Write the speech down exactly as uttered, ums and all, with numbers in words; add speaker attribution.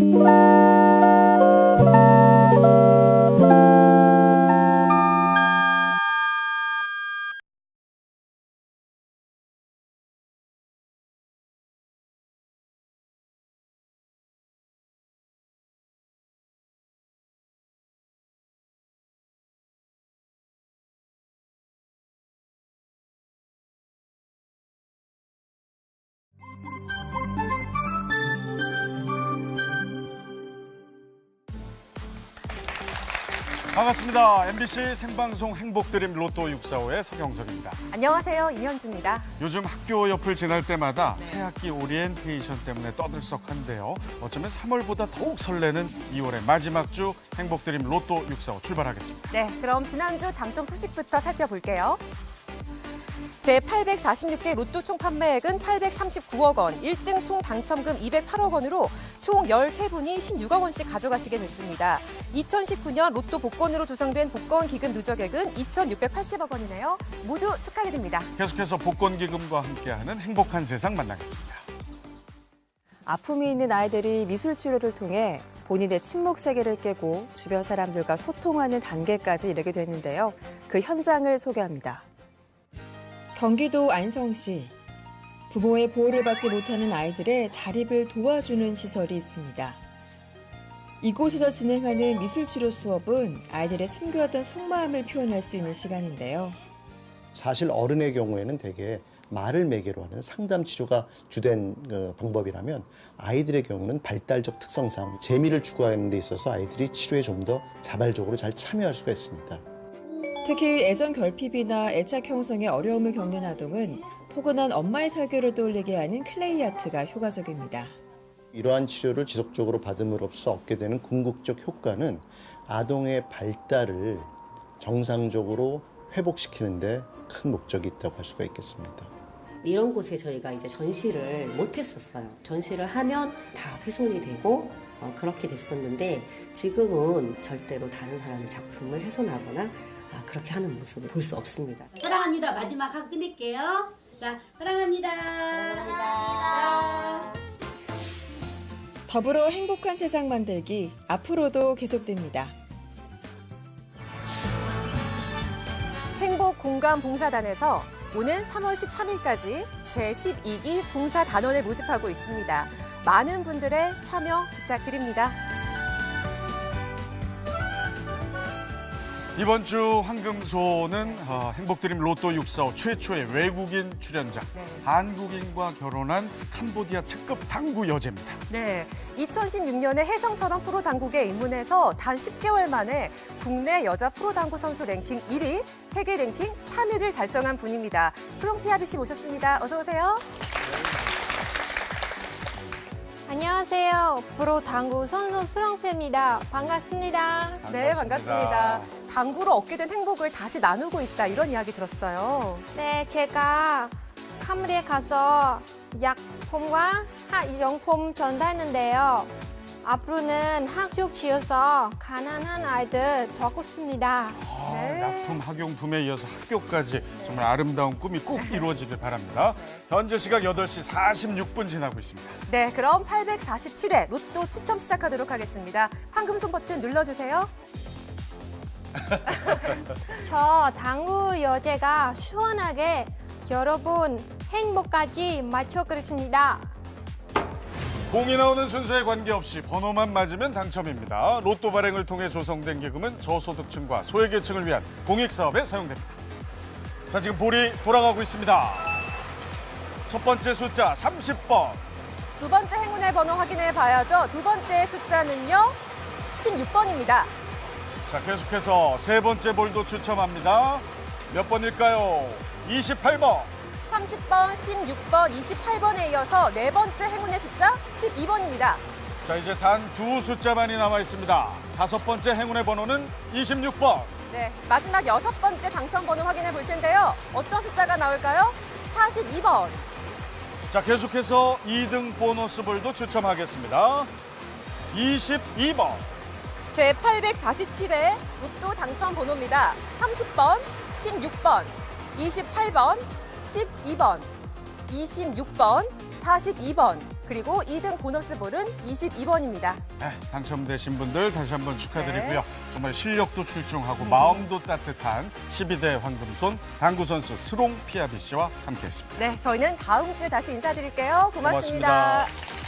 Speaker 1: 반갑습니다. 엠비씨 생방송 행복드림 로또 육사오의 서경석입니다.
Speaker 2: 안녕하세요. 임현주입니다.
Speaker 1: 요즘 학교 옆을 지날 때마다 새학기 오리엔테이션 때문에 떠들썩한데요. 어쩌면 삼월보다 더욱 설레는 이월의 마지막 주 행복드림 로또 육사오 출발하겠습니다.
Speaker 2: 네, 그럼 지난주 당첨 소식부터 살펴볼게요. 제팔백사십육 개 로또 총 판매액은 팔백삼십구억 원, 일 등 총 당첨금 이백팔억 원으로 총 열세 분이 십육억 원씩 가져가시게 됐습니다. 이천십구 년 로또 복권으로 조성된 복권기금 누적액은 이천육백팔십억 원이네요. 모두 축하드립니다.
Speaker 1: 계속해서 복권기금과 함께하는 행복한 세상 만나겠습니다.
Speaker 3: 아픔이 있는 아이들이 미술 치료를 통해 본인의 침묵 세계를 깨고 주변 사람들과 소통하는 단계까지 이르게 됐는데요. 그 현장을 소개합니다. 경기도 안성시. 부모의 보호를 받지 못하는 아이들의 자립을 도와주는 시설이 있습니다. 이곳에서 진행하는 미술치료 수업은 아이들의 숨겨왔던 속마음을 표현할 수 있는 시간인데요.
Speaker 4: 사실 어른의 경우에는 대개 말을 매개로 하는 상담 치료가 주된 방법이라면 아이들의 경우는 발달적 특성상 재미를 추구하는 데 있어서 아이들이 치료에 좀 더 자발적으로 잘 참여할 수가 있습니다.
Speaker 3: 특히 애정 결핍이나 애착 형성에 어려움을 겪는 아동은 포근한 엄마의 설교를 떠올리게 하는 클레이 아트가 효과적입니다.
Speaker 4: 이러한 치료를 지속적으로 받음으로써 얻게 되는 궁극적 효과는 아동의 발달을 정상적으로 회복시키는 데 큰 목적이 있다고 할 수가 있겠습니다.
Speaker 5: 이런 곳에 저희가 이제 전시를 못 했었어요. 전시를 하면 다 훼손이 되고 어, 그렇게 됐었는데 지금은 절대로 다른 사람의 작품을 훼손하거나 아, 그렇게 하는 모습을 볼 수 없습니다.
Speaker 6: 사랑합니다. 마지막 하고 끝낼게요. 자, 사랑합니다. 사랑합니다.
Speaker 3: 더불어 행복한 세상 만들기 앞으로도 계속됩니다.
Speaker 2: 행복공감봉사단에서 오는 삼월 십삼일까지 제십이 기 봉사단원을 모집하고 있습니다. 많은 분들의 참여 부탁드립니다.
Speaker 1: 이번 주 황금소는 어, 행복드림 로또 육사오 최초의 외국인 출연자,
Speaker 2: 네.
Speaker 1: 한국인과 결혼한 캄보디아 특급 당구 여제입니다.
Speaker 2: 네, 이천십육 년에 혜성처럼 프로당국에 입문해서 단 십 개월 만에 국내 여자 프로당구 선수 랭킹 일 위, 세계 랭킹 삼 위를 달성한 분입니다. 수롱피아비 씨 모셨습니다. 어서 오세요.
Speaker 7: 안녕하세요. 프로 당구 선수 수렁패입니다. 반갑습니다.
Speaker 2: 네, 반갑습니다. 당구로 얻게 된 행복을 다시 나누고 있다, 이런 이야기 들었어요.
Speaker 7: 네, 제가 캄보디아에 가서 약품과 학용품 전달했는데요. 앞으로는 학교 지어서 가난한 아이들 돕겠습니다.
Speaker 1: 아,
Speaker 2: 네.
Speaker 1: 약품, 학용품에 이어서 학교까지 정말 아름다운 꿈이 꼭 이루어지길 바랍니다. 현재 시각 여덟 시 사십육 분 지나고 있습니다.
Speaker 2: 네, 그럼 팔백사십칠 회 로또 추첨 시작하도록 하겠습니다. 황금손 버튼 눌러주세요.
Speaker 7: 저 당구 여제가 시원하게 여러분 행복까지 맞춰드리겠습니다.
Speaker 1: 공이 나오는 순서에 관계없이 번호만 맞으면 당첨입니다. 로또 발행을 통해 조성된 기금은 저소득층과 소외계층을 위한 공익사업에 사용됩니다. 자, 지금 볼이 돌아가고 있습니다. 첫 번째 숫자 삼십 번.
Speaker 2: 두 번째 행운의 번호 확인해 봐야죠. 두 번째 숫자는요, 십육 번입니다.
Speaker 1: 자, 계속해서 세 번째 볼도 추첨합니다. 몇 번일까요? 이십팔 번.
Speaker 2: 삼십 번, 십육 번, 이십팔 번에 이어서 네 번째 행운의 숫자 십이 번입니다.
Speaker 1: 자, 이제 단 두 숫자만이 남아 있습니다. 다섯 번째 행운의 번호는 이십육 번.
Speaker 2: 네, 마지막 여섯 번째 당첨 번호 확인해 볼 텐데요. 어떤 숫자가 나올까요? 사십이 번.
Speaker 1: 자, 계속해서 이 등 보너스 볼도 추첨하겠습니다. 이십이 번.
Speaker 2: 제팔백사십칠 회 로또 당첨 번호입니다. 삼십 번, 십육 번, 이십팔 번, 십이 번, 이십육 번, 사십이 번, 그리고 이 등 보너스 볼은 이십이 번입니다.
Speaker 1: 네, 당첨되신 분들 다시 한번 축하드리고요.
Speaker 2: 네.
Speaker 1: 정말 실력도 출중하고 마음도 따뜻한 십이 대 황금손 당구 선수 스롱 피아비 씨와 함께했습니다.
Speaker 2: 네, 저희는 다음 주에 다시 인사드릴게요. 고맙습니다.
Speaker 1: 고맙습니다.